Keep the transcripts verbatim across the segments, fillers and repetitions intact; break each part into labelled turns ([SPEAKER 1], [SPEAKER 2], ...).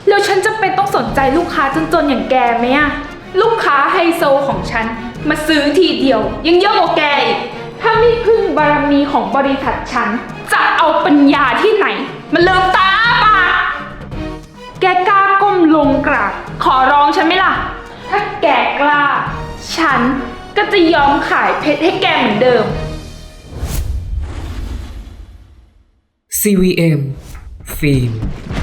[SPEAKER 1] แล้วฉันจะเป็นต้องสนใจลูกค้าจนๆอย่างแกไหมอะลูกค้าไฮโซของฉันมาซื้อทีเดียวยังเยอะกว่าแกอีกถ้าไม่พึ่งบารมีของบริษัทฉันจะเอาปัญญาที่ไหนมันเลิมตาอ้าปากแกกล้าก้มลงกราบขอร้องฉันไหมล่ะถ้าแกกล้าฉันก็จะยอมขายเพชรให้แกเหมือนเดิม
[SPEAKER 2] ซี วี เอ็ม ฟิล์ม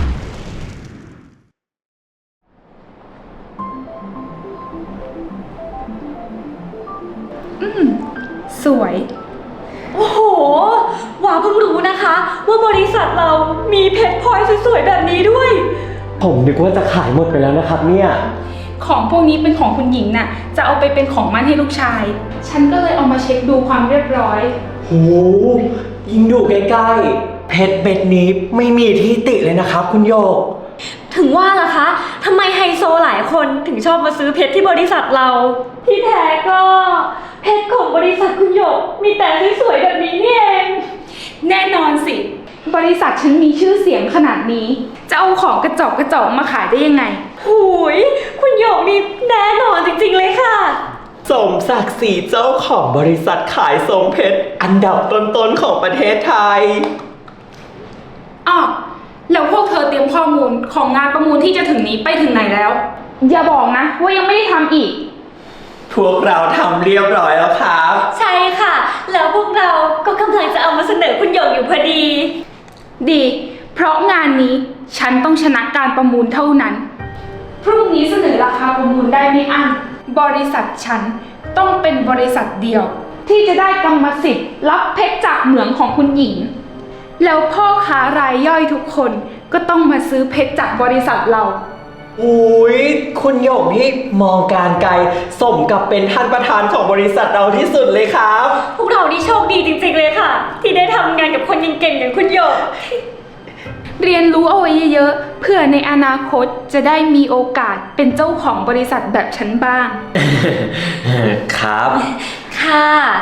[SPEAKER 1] สวย
[SPEAKER 3] โอ้โหวาเพิ่งรู้นะคะ ว่าบริษัทเรามีเพชรพลอยสวยๆแบบนี้ด้วย
[SPEAKER 4] ผมนึกว่าจะขายหมดไปแล้วนะครับเนี่ย
[SPEAKER 1] ของพวกนี้เป็นของคุณหญิงน่ะจะเอาไปเป็นของมั่นให้ลูกชาย ฉันก็เลยเอามาเช็คดูความเรียบร้อย
[SPEAKER 4] โห ยิ่งดูใกล้ๆ เพชรเม็ดนี้ไม่มีที่ติเลยนะครับคุณโยก
[SPEAKER 3] ถึงว่าล่ะคะทำไมไฮโซหลายคนถึงชอบมาซื้อเพชรที่บริษัทเรา ที่แท้ก็เพชรของบริษัทคุณหยกมีแต่สวยๆแบบนี้นี่เอง
[SPEAKER 1] แน่นอนสิ บริษัทฉันมีชื่อเสียงขนาดนี้ จะเอาของกระจอกกระจอกมาขายได้ยังไง
[SPEAKER 3] หูยคุณหยกนี่แน่นอนจริงๆเลยค่ะ
[SPEAKER 4] สมศักดิ์ศรีเจ้าของบริษัทขายทรงเพชรอันดับต้นๆของประเทศไทย
[SPEAKER 1] อ้าวแล้วพวกเธอเตรียมข้อมูลของงานประมูลที่จะถึงนี้ไปถึงไหนแล้ว อย่าบอกนะว่ายังไม่ได้ทำอีก
[SPEAKER 4] พวกเราทำเรียบร้อยแล้วครับ
[SPEAKER 3] ใช่ค่ะ แล้วพวกเราก็กำลังจะเอามาเสนอคุณหยกอยู่พอดี
[SPEAKER 1] ดี เพราะงานนี้ฉันต้องชนะการประมูลเท่านั้น พรุ่งนี้เสนอราคาประมูลได้ไม่อั้นบริษัทฉันต้องเป็นบริษัทเดียว ที่จะได้กรรมสิทธิ์รับเพชรจากเหมืองของคุณหญิง แล้วพ่อค้ารายย่อยทุกคนก็ต้องมาซื้อเพชรจากบริษัทเรา
[SPEAKER 4] อุ้ยคุณโยกนี่มองการไกลสมกับเป็นท่านประธานของบริษัทเราที่สุดเลยครับ
[SPEAKER 3] พวกเรานี่โชคดีจริงๆเลยค่ะ ที่ได้ทำงานกับคนเก่งๆอย่างคุณหยก
[SPEAKER 1] เรียนรู้เอาไว้เยอะๆเพื่อในอนาคตจะได้มีโอกาสเป็นเจ้าของบริษัทแบบฉันบ้าง
[SPEAKER 4] ครับ
[SPEAKER 3] ค่ะ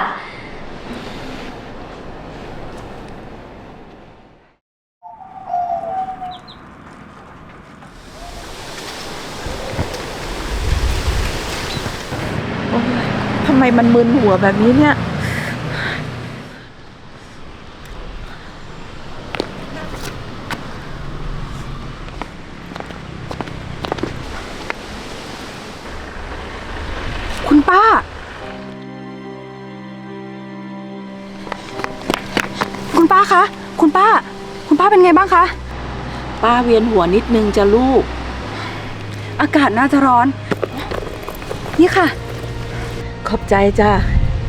[SPEAKER 5] ทำไมมันมึนหัวแบบนี้เนี่ย คุณป้า คุณป้าคะ คุณป้า คุณป้าเป็นไงบ้างคะ
[SPEAKER 6] ป้าเวียนหัวนิดนึงจ้ะลูก
[SPEAKER 5] อากาศน่าจะร้อน นี่ค่ะ
[SPEAKER 6] ขอบใจจ้ะ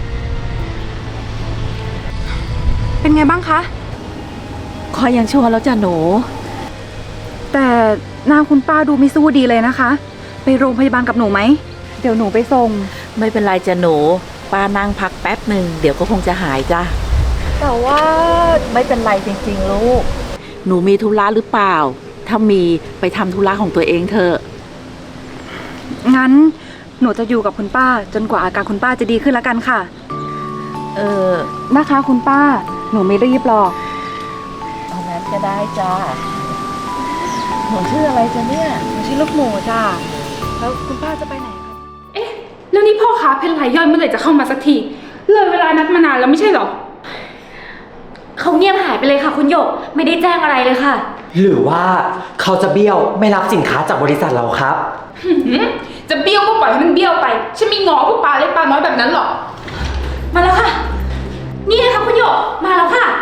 [SPEAKER 5] เป็นไงบ้างคะ
[SPEAKER 6] คอยยังชั่วแล้วจ้ะหนู
[SPEAKER 5] แต่หน้าคุณป้าดูไม่สู้ดีเลยนะคะ ไปโรงพยาบาลกับหนูไหม เดี๋ยวหนูไปส่ง
[SPEAKER 6] ไม่เป็นไรจ้ะหนู ป้านั่งพักแป๊บหนึ่งเดี๋ยวก็คงจะหายจ้ะ
[SPEAKER 5] แต่ว่าไม่เป็นไรจริงๆลูก
[SPEAKER 6] หนูมีธุระหรือเปล่า ถ้ามีไปทำธุระของตัวเองเถอะ
[SPEAKER 5] งั้นหนูจะอยู่กับคุณป้า จนกว่าอาการคุณป้าจะดีขึ้นแล้วกันค่ะ
[SPEAKER 6] เออ
[SPEAKER 5] นะคะคุณป้า หนูไม่รีบหรอก
[SPEAKER 6] เอานั้นก็ได้จ้ะหนูชื่ออะไรจ้ะเนี่ย
[SPEAKER 5] หนูชื่อลูกหมูจ้าแล้วคุณป้าจะไปไหนคะ
[SPEAKER 1] เอ๊ะ แล้วนี่พ่อค้าเพชรรายย่อยเมื่อไหร่จะเข้ามาสักที เลยเวลานัดมานานแล้วไม่ใช่เหรอ
[SPEAKER 3] เขาเงียบหายไปเลยค่ะ คุณหยก ไม่ได้แจ้งอะไรเลยค่ะ
[SPEAKER 4] หรือว่าเขาจะเบี้ยวไม่รับสินค้าจากบริษัทเราครับ
[SPEAKER 1] หืมจะเบี้ยวก็ปล่อยให้มันเบี้ยวไป ฉันไม่ง้อพวกปลาเล็กปลาน้อยแบบนั้นหรอก
[SPEAKER 3] มาแล้วค่ะ นี่ไงคะคุณหยก มาแล้วค่ะ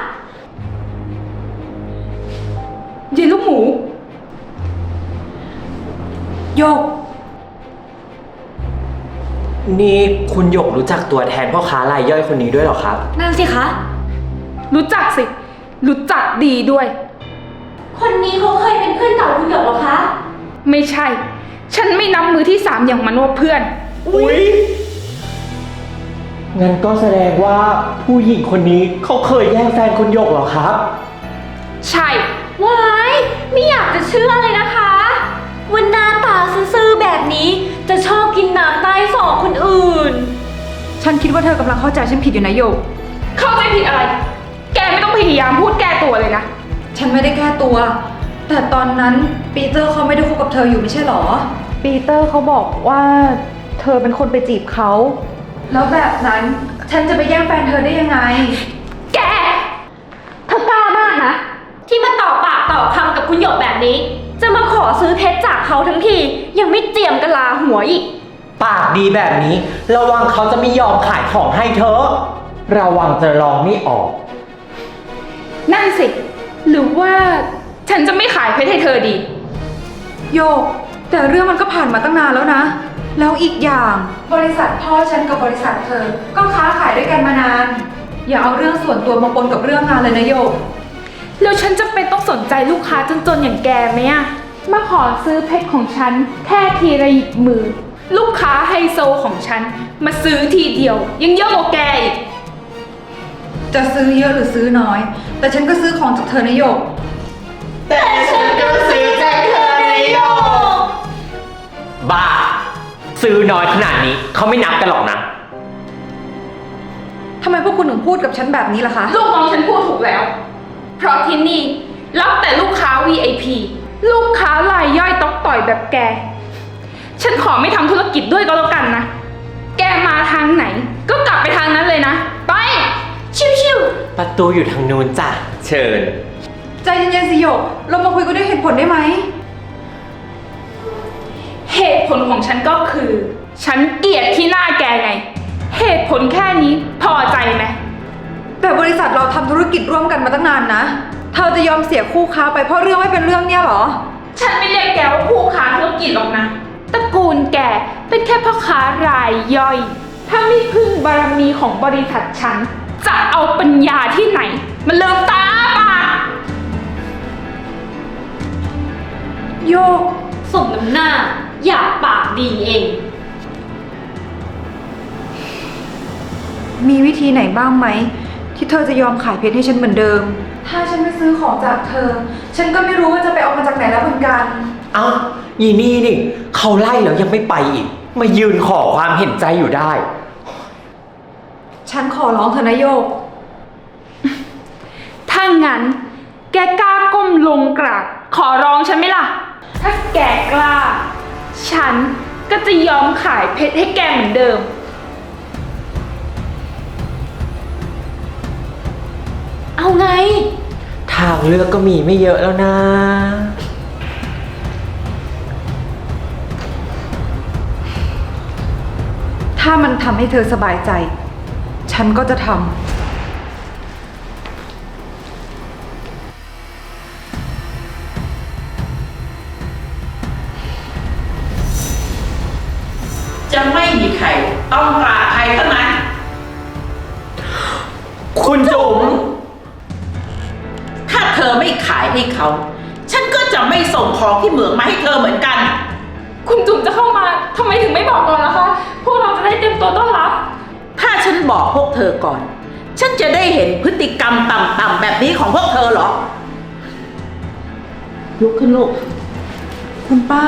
[SPEAKER 1] เย็นลูกหมู
[SPEAKER 3] หยก
[SPEAKER 4] นี่คุณหยกรู้จักตัวแทนพ่อค้ารายย่อยคนนี้ด้วยเหรอครับ
[SPEAKER 3] นั่นสิคะ
[SPEAKER 1] รู้จักสิ รู้จักดีด้วย
[SPEAKER 3] คนนี้เขาเคยเป็นเพื่อนเก่าคุณหยกเหรอคะ
[SPEAKER 1] ไม่ใช่ ฉันไม่นับมือที่สามอย่างมันว่าเพื่อน
[SPEAKER 4] อุ๊ย งั้นก็แสดงว่าผู้หญิงคนนี้เขาเคยแย่งแฟนคุณหยกเหรอครับ
[SPEAKER 1] ใช่
[SPEAKER 3] ว้าย ไม่อยากจะเชื่อเลยนะคะวันหน้าตาซื่อๆแบบนี้จะชอบกินน้ำใต้ศอกคนอื่น
[SPEAKER 5] ฉันคิดว่าเธอกำลังเข้าใจฉันผิดอยู่นะโยก
[SPEAKER 1] เข้าใจผิดอะไร แกไม่ต้องพยายามพูดแก้ตัวเลยนะ
[SPEAKER 5] ฉันไม่ได้แก้ตัวแต่ตอนนั้นปีเตอร์เขาไม่ได้คบกับเธออยู่ไม่ใช่หรอ ปีเตอร์เขาบอกว่าเธอเป็นคนไปจีบเขา แล้วแบบนั้นฉันจะไปแย่งแฟนเธอได้ยังไง
[SPEAKER 3] แก เธอกล้ามากนะ ที่มาต่อปากต่อคำกับคุณหยกแบบนี้ จะมาขอซื้อเพชรจากเขาทั้งที ยังไม่เจียมกะลาหัวอีก
[SPEAKER 4] ปากดีแบบนี้ ระวังเขาจะไม่ยอมขายของให้เธอ ระวังจะลองไม่ออก
[SPEAKER 1] นั่นสิ หรือว่าฉันจะไม่ขายเพชรให้เธอดี
[SPEAKER 5] โยก แต่เรื่องมันก็ผ่านมาตั้งนานแล้วนะ แล้วอีกอย่างบริษัทพ่อฉันกับบริษัทเธอ ก็ค้าขายด้วยกันมานาน อย่าเอาเรื่องส่วนตัวมาปนกับเรื่องงานเลยนะโยก
[SPEAKER 1] แล้วฉันจะเป็นต้องสนใจลูกค้าจนๆอย่างแกไหมอะมาขอซื้อเพชรของฉันแค่ทีละหยิบมือ ลูกค้าไฮโซของฉันมาซื้อทีเดียว ยังเยอะกว่าแกอีก
[SPEAKER 5] จะซื้อเยอะหรือซื้อน้อย แต่ฉันก็ซื้อของจากเธอนะโยก
[SPEAKER 4] แต่ฉันก็ซื้อจากเธอในโยกบ้า ซื้อน้อยขนาดนี้เขาไม่นับกันหรอกนะ
[SPEAKER 5] ทำไมพวกคุณถึงพูดกับฉันแบบนี้ล่ะคะ
[SPEAKER 1] ลูกน้องฉันพูดถูกแล้ว เพราะที่นี่รับแต่ลูกค้า วี ไอ พี ลูกค้ารายย่อยต๊อกต่อยแบบแก ฉันขอไม่ทำธุรกิจด้วยก็แล้วกันนะ แกมาทางไหน ก็กลับไปทางนั้นเลยนะ ไป ชิวๆ
[SPEAKER 4] ประตูอยู่ทางนู้นจ้ะ เชิญ
[SPEAKER 5] ใจเย็นๆสิโยก เรามาคุยกันด้วยเหตุผลได้ไหม
[SPEAKER 1] เหตุผลของฉันก็คือ ฉันเกลียดที่หน้าแกไง เหตุผลแค่นี้พอใจไหม
[SPEAKER 5] แต่บริษัทเราทำธุรกิจร่วมกันมาตั้งนานนะ เธอจะยอมเสียคู่ค้าไปเพราะเรื่องไม่เป็นเรื่องเนี่ยเหรอ
[SPEAKER 1] ฉันไม่เรียกแกว่าผู้ค้าธุรกิจหรอกนะ ตระกูลแกเป็นแค่พ่อค้ารายย่อย ถ้าไม่พึ่งบารมีของบริษัทฉัน จะเอาปัญญาที่ไหน มันเลิมตาปาก
[SPEAKER 5] โยก
[SPEAKER 3] สมน้ำหน้า อยากปากดีเอง
[SPEAKER 5] มีวิธีไหนบ้างไหม ที่เธอจะยอมขายเพชรให้ฉันเหมือนเดิม ถ้าฉันไม่ซื้อของจากเธอ ฉันก็ไม่รู้ว่าจะไปเอามาจากไหนแล้วเหมือนกัน
[SPEAKER 4] เอ้ายีนี่นี่เขาไล่แล้วยังไม่ไปอีก มายืนขอความเห็นใจอยู่ได้
[SPEAKER 5] ฉันขอร้องเธอนะโยก
[SPEAKER 1] ถ้างั้น แกกล้าก้มลงกราบขอร้องฉันไหมล่ะ ถ้าแกกล้า ฉันก็จะยอมขายเพชรให้แกเหมือนเดิม
[SPEAKER 3] เอาไง
[SPEAKER 4] ทางเลือกก็มีไม่เยอะแล้วนะ
[SPEAKER 5] ถ้ามันทำให้เธอสบายใจ ฉันก็จะทำ
[SPEAKER 7] จะไม่มีใครต้องกราบใครทั้งนั้น
[SPEAKER 4] คุณจุ๋ม
[SPEAKER 7] ถ้าเธอไม่ขายให้เขา ฉันก็จะไม่ส่งของที่เหมืองมาให้เธอเหมือนกัน
[SPEAKER 1] คุณจุ๋มจะเข้ามาทำไมถึงไม่บอกก่อนล่ะคะ พวกเราจะได้เตรียมตัวต้อนรับ
[SPEAKER 7] ถ้าฉันบอกพวกเธอก่อน ฉันจะได้เห็นพฤติกรรมต่ำๆแบบนี้ของพวกเธอเหรอ ลุกขึ้นลูก
[SPEAKER 5] คุณป้า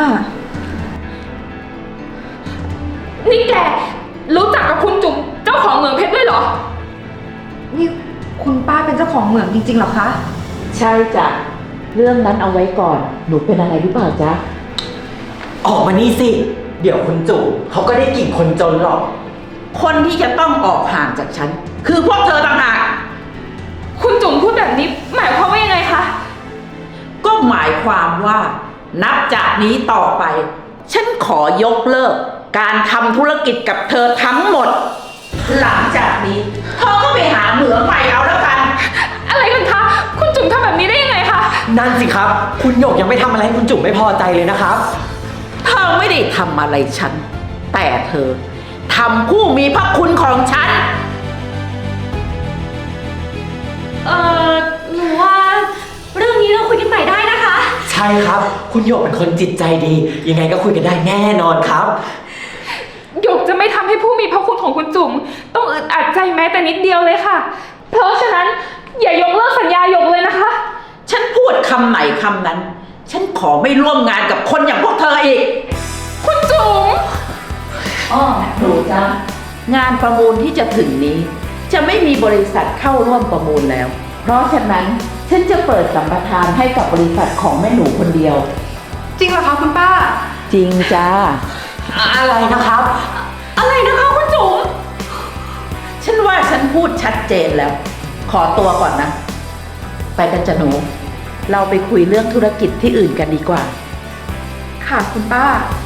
[SPEAKER 1] นี่แกรู้จักกับคุณจุ๋มเจ้าของเหมืองเพชรด้วยเหรอ
[SPEAKER 5] นี่คุณป้าเป็นเจ้าของเหมืองจริงๆเหรอคะ
[SPEAKER 6] ใช่จ้ะ เรื่องนั้นเอาไว้ก่อน หนูเป็นอะไรหรือเปล่าจ๊ะ
[SPEAKER 4] ออกมานี่สิ เดี๋ยวคุณจุ๋มเขาก็ได้กลิ่นคนจนหรอก
[SPEAKER 7] คนที่จะต้องออกห่างจากฉัน คือพวกเธอต่างหาก
[SPEAKER 1] คุณจุ๋มพูดแบบนี้หมายความว่ายังไงคะ
[SPEAKER 7] ก็หมายความว่า นับจากนี้ต่อไป ฉันขอยกเลิก การทำธุรกิจกับเธอทั้งหมด หลังจากนี้เธอก็ไปหาเหมืองใหม่เอาแล้วกัน
[SPEAKER 1] อะไรกันคะ คุณจุ๋มทำแบบนี้ได้ยังไงคะ
[SPEAKER 4] นั่นสิครับ คุณหยกยังไม่ทำอะไรให้คุณจุ๋มไม่พอใจเลยนะครับ
[SPEAKER 7] เธอไม่ได้ทำอะไรฉัน แต่เธอทำผู้มีพระคุณของฉัน
[SPEAKER 3] เอ่อ หนูว่า เรื่องนี้เราคุยกันใหม่ได้นะคะ
[SPEAKER 4] ใช่ครับ คุณหยกเป็นคนจิตใจดี ยังไงก็คุยกันได้แน่นอนครับ
[SPEAKER 1] หยกจะไม่ทำให้ผู้มีพระคุณของคุณจุ๋มต้องอึดอัดใจแม้แต่นิดเดียวเลยค่ะ เพราะฉะนั้นอย่ายกเลิกสัญญาหยกเลยนะคะ
[SPEAKER 7] ฉันพูดคำไหนคำนั้น ฉันขอไม่ร่วมงานกับคนอย่างพวกเธออีก
[SPEAKER 1] คุณจุ๋ม
[SPEAKER 7] อ้อหนูจ้างานประมูลที่จะถึงนี้ จะไม่มีบริษัทเข้าร่วมประมูลแล้ว เพราะฉะนั้นฉันจะเปิดสัมปทานให้กับบริษัทของแม่หนูคนเดียว
[SPEAKER 5] จริงเหรอคะคุณป้า
[SPEAKER 7] จริงจ้า
[SPEAKER 4] อะไรนะครับ
[SPEAKER 3] อะไรนะคะคุณจุ๋ม
[SPEAKER 7] ฉันว่าฉันพูดชัดเจนแล้ว ขอตัวก่อนนะ ไปกันจ้ะหนู เราไปคุยเรื่องธุรกิจที่อื่นกันดีกว่า
[SPEAKER 5] ค่ะคุณป้า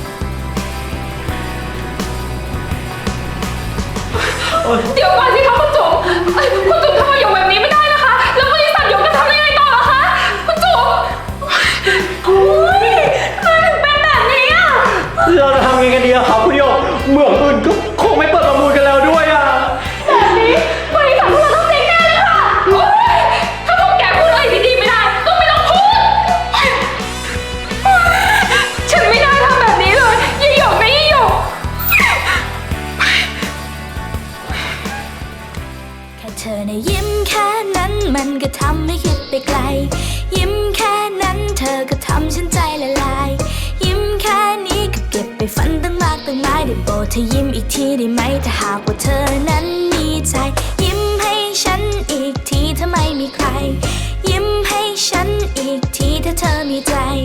[SPEAKER 1] เดี๋ยวก่อนสิคะคุณจุ๋มเอ้ยคุณจุ๋มทำไมหยกแบบนี้ไม่ได้นะคะ แล้วบริษัทหยกจะทำยังไงต่อล่ะคะ คุณจุ๋ม
[SPEAKER 3] โอ้ยทำไมถึงเป็นแบบนี้อ่ะ
[SPEAKER 4] เราจะทำยังไงกันดีอะครับคุณโยกเหมืองอื่นก็คงไม่เปิดประมูลกันแล้วด้วยอะ
[SPEAKER 3] แบบนี้บริษัทพวกเราต้องเจ๊งแน่เลยค่ะ
[SPEAKER 1] โอ๊ยถ้าพวกแกพูดอะไรดีๆไม่ได้ ก็ไม่ต้องพูด ฉันไม่น่าทำแบบนี้เลยยี่หยกนะยี่หยก
[SPEAKER 8] แค่เธอในะยิ้มแค่นั้นมันก็ทำให้คิดไปไกล ยิ้มแค่นั้นเธอก็ทำฉันใจละลาย ยิ้มแค่นี้ก็เก็บไปฝันตั้งมากตั้งหลายได้โปรดเธอยิ้มอีกทีได้ไหมถ้าหากว่าเธอนั้นมีใจ ยิ้มให้ฉันอีกทีถ้าไม่มีใคร ยิ้มให้ฉันอีกทีถ้าเธอมีใจ